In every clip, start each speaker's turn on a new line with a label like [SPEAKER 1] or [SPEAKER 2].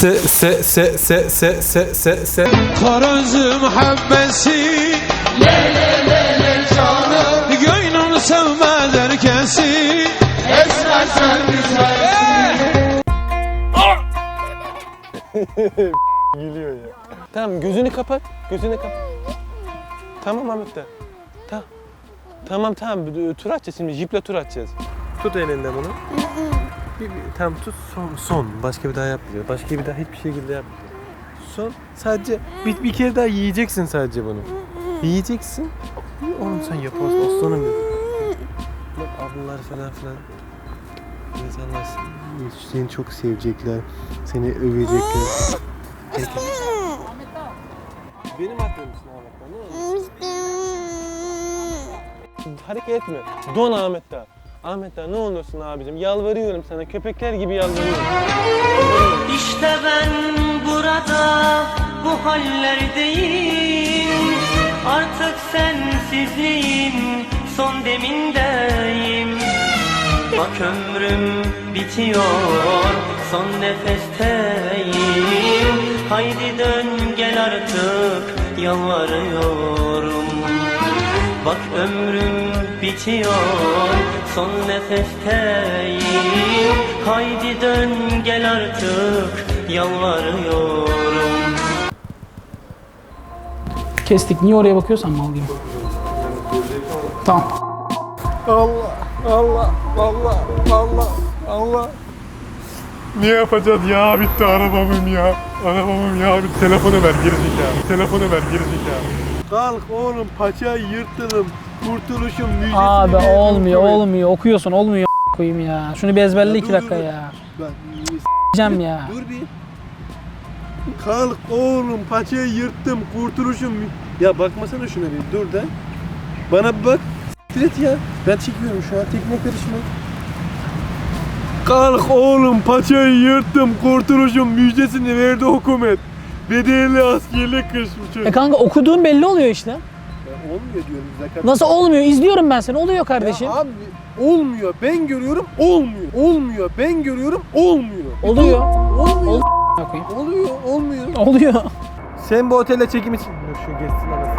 [SPEAKER 1] se.
[SPEAKER 2] Karıncı muhabbesi le canım. Gönlüm sevmez herkesi. Esmer sen güzelsin.
[SPEAKER 1] Gülüyor ya. Tamam gözünü kapat. Tamam Ahmet de. Tamam. Tur atacağız şimdi. Jiple tur atacağız. Tut elinden bunu. Tamam tut son. Başka bir daha yapmayacağız. Başka bir daha hiçbir şekilde yapmayacağız. Son. Sadece bir kere daha yiyeceksin sadece bunu. Yiyeceksin. Oğlum sen yaparsın. Aslanım ya. Bak ablalar falan. İnsanlar seni çok sevecekler. Seni övecekler. Benim aklımsın Ahmet'ten, ne olur? Hareket etme. Don Ahmet'ten. Ahmet'ten ne olursun abicim. Yalvarıyorum sana. Köpekler gibi yalvarıyorum.
[SPEAKER 3] İşte ben burada bu hallerdeyim. Artık sensizliğim son demindeyim. Bak ömrüm bitiyor, son nefesteyim. Haydi dön gel artık, yalvarıyorum. Bak ömrüm bitiyor, son nefesteyim. Haydi dön gel artık, yalvarıyorum.
[SPEAKER 4] Kestik. Niye oraya bakıyorsan mal gibi. Tamam.
[SPEAKER 1] Allah. Ne yapacağız ya? Bitti arabamın ya. Bir telefonu ver gerizekalı. Kalk oğlum paçayı yırttım. Kurtuluşum müjdesini
[SPEAKER 4] Abi
[SPEAKER 1] verdim.
[SPEAKER 4] olmuyor. Okuyorsun olmuyor koyayım ya. Şunu bir ezberle 2 dakika ya. Diyeceğim ya.
[SPEAKER 1] Dur bir. Kalk oğlum paçayı yırttım. Kurtuluşum. Ya bakmasana şuna bir. Dur da. Bana bir bak. Direkt ya. Ben çekiyorum şu an. Tekne karışma. Kalk oğlum paçayı yırttım. Kurtuluşum müjdesini verdi hükümet. Bedelli askerlik kışmış.
[SPEAKER 4] Kanka okuduğun belli oluyor işte.
[SPEAKER 1] Olmuyor diyorum zaten.
[SPEAKER 4] Nasıl olmuyor? İzliyorum ben seni. Oluyor kardeşim.
[SPEAKER 1] Ya abi olmuyor. Ben görüyorum olmuyor. Olmuyor. Ben görüyorum olmuyor.
[SPEAKER 4] Oluyor.
[SPEAKER 1] Olmuyor. Olmuyor.
[SPEAKER 4] Oluyor.
[SPEAKER 1] Sen bu otelde çekim için... Dur şu geçsin ama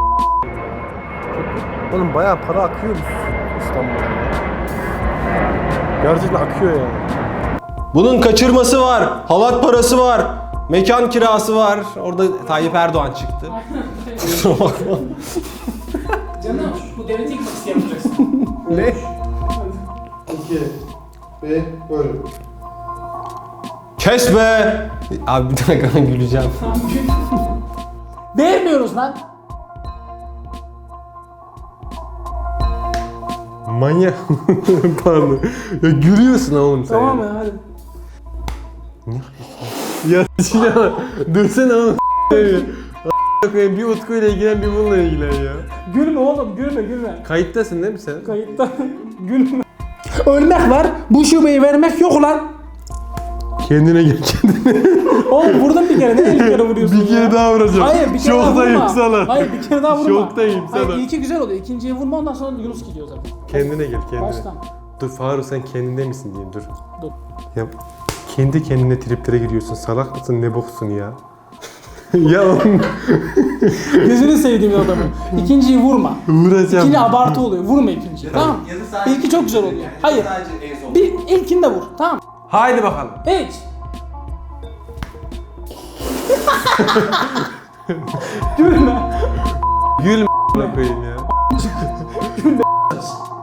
[SPEAKER 1] oğlum bayağı para akıyor İstanbul'da. Gerçekten akıyor yani.
[SPEAKER 5] Bunun kaçırması var, halat parası var, mekan kirası var. Orada Tayyip Erdoğan çıktı. Kusura bakma.
[SPEAKER 4] Canım bu devleti yıkmak isteyemeyeceksin.
[SPEAKER 1] Ne?
[SPEAKER 6] 2 ve böyle.
[SPEAKER 5] Kes be! Abi bir dakika güleceğim.
[SPEAKER 4] Değmiyoruz lan.
[SPEAKER 1] Manyak. Pardon. Ya gülüyorsun oğlum sen.
[SPEAKER 4] Tamam ya hadi.
[SPEAKER 1] Ya Sinan dursana oğlum. Bir Utku ile ilgilen bir bununla ilgilen ya.
[SPEAKER 4] Gülme oğlum gülme.
[SPEAKER 1] Kayıttasın değil mi sen?
[SPEAKER 4] Kayıtta gülme. Ölmek var. Bu şubeyi vermek yok ulan.
[SPEAKER 1] Kendine gel kendine.
[SPEAKER 4] Oğlum vurdun bir kere. Ne 50 kere vuruyorsun
[SPEAKER 1] Bir kere
[SPEAKER 4] ya?
[SPEAKER 1] daha vuracağım.
[SPEAKER 4] Hayır bir kere daha
[SPEAKER 1] Şoktayım
[SPEAKER 4] vurma.
[SPEAKER 1] sana.
[SPEAKER 4] Hayır bir kere daha vurma.
[SPEAKER 1] Şoktayım sana.
[SPEAKER 4] Hayır ilki güzel oluyor. İkinciye vurma ondan sonra Yunus gidiyor zaten.
[SPEAKER 1] Kendine gel kendine.
[SPEAKER 4] Baştan.
[SPEAKER 1] Dur Faruk sen kendinde misin diyeyim dur.
[SPEAKER 4] Dur.
[SPEAKER 1] Ya kendi kendine triplere giriyorsun. Salak mısın ne boksun ya? Ya oğlum.
[SPEAKER 4] Gözünü sevdiğim adamı. İkinciyi vurma.
[SPEAKER 1] Vuracağım.
[SPEAKER 4] İkinci abartı oluyor. Vurma ikinciyi. Tamam. İlki çok güzel oluyor. Hayır. Bir ilkini de vur. Tamam.
[SPEAKER 1] Haydi bakalım.
[SPEAKER 4] Hiç. Gülme.
[SPEAKER 1] Gülme koyayım ya.
[SPEAKER 4] Gülme.